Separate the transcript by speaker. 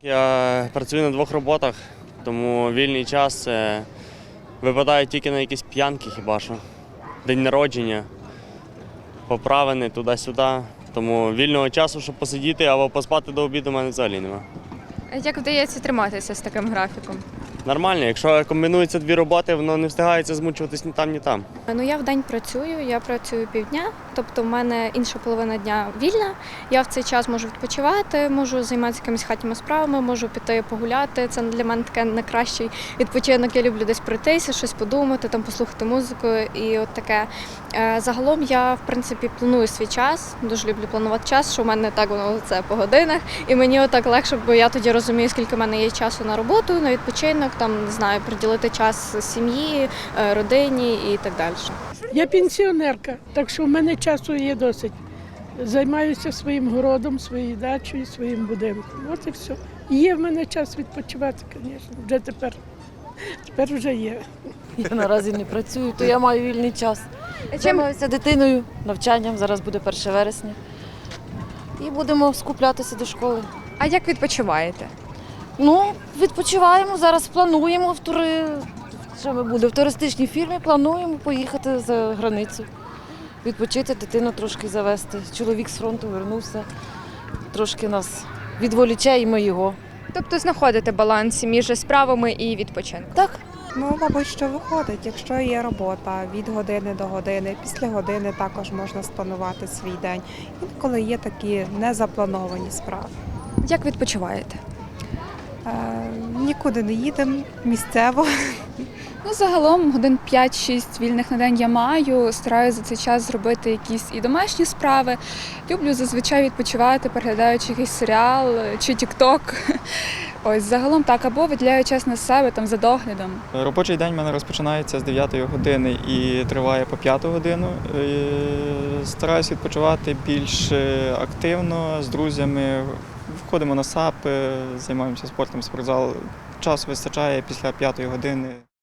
Speaker 1: Я працюю на 2 роботах, тому вільний час випадає тільки на якісь п'янки хіба що. День народження, поправини туди-сюди. Тому вільного часу, щоб посидіти або поспати до обіду, у мене взагалі немає.
Speaker 2: А як вдається триматися з таким графіком?
Speaker 1: Нормально, якщо комбінуються 2 роботи, воно не встигається змучуватись ні там, ні там.
Speaker 3: Ну, я вдень працюю, я працюю півдня, тобто в мене інша половина дня вільна. Я в цей час можу відпочивати, можу займатися якимись хатніми справами, можу піти погуляти. Це для мене таке найкращий відпочинок. Я люблю десь пройтися, щось подумати, там послухати музику і от таке. Загалом я, в принципі, планую свій час, дуже люблю планувати час, що в мене так воно це по годинах. І мені отак легше, бо я тоді розумію, скільки в мене є часу на роботу, на відпочинок, там, не знаю, приділити час сім'ї, родині і так далі.
Speaker 4: Я пенсіонерка, так що в мене часу є досить. Займаюся своїм городом, своєю дачею, своїм будинком. От і все. Є в мене час відпочивати, звісно, вже тепер вже є.
Speaker 5: Я наразі не працюю, то я маю вільний час. Займаюся дитиною, навчанням, зараз буде 1 вересня. І будемо скуплятися до школи.
Speaker 2: А як відпочиваєте?
Speaker 5: Ну, відпочиваємо, зараз плануємо що ми будемо, в туристичній фірмі плануємо поїхати за границю. Відпочити, дитину трошки завести. Чоловік з фронту вернувся, трошки нас відволіче і ми його.
Speaker 2: Тобто знаходите баланс між справами і відпочинком?
Speaker 5: Так.
Speaker 6: Ну, мабуть, що виходить, якщо є робота від години до години, після години також можна спланувати свій день. Інколи є такі незаплановані справи.
Speaker 2: Як відпочиваєте?
Speaker 6: Нікуди не їдемо, місцево.
Speaker 7: Ну, загалом годин 5-6 вільних на день я маю, стараюся за цей час зробити якісь і домашні справи. Люблю зазвичай відпочивати, переглядаючи якийсь серіал чи тік-ток. Ось, загалом так, або виділяю час на себе там за доглядом.
Speaker 8: Робочий день в мене розпочинається з 9 години і триває по 5 годину. Стараюсь відпочивати більш активно, з друзями. Входимо на САП, займаємося спортом, спортзал. Часу вистачає після 5 години.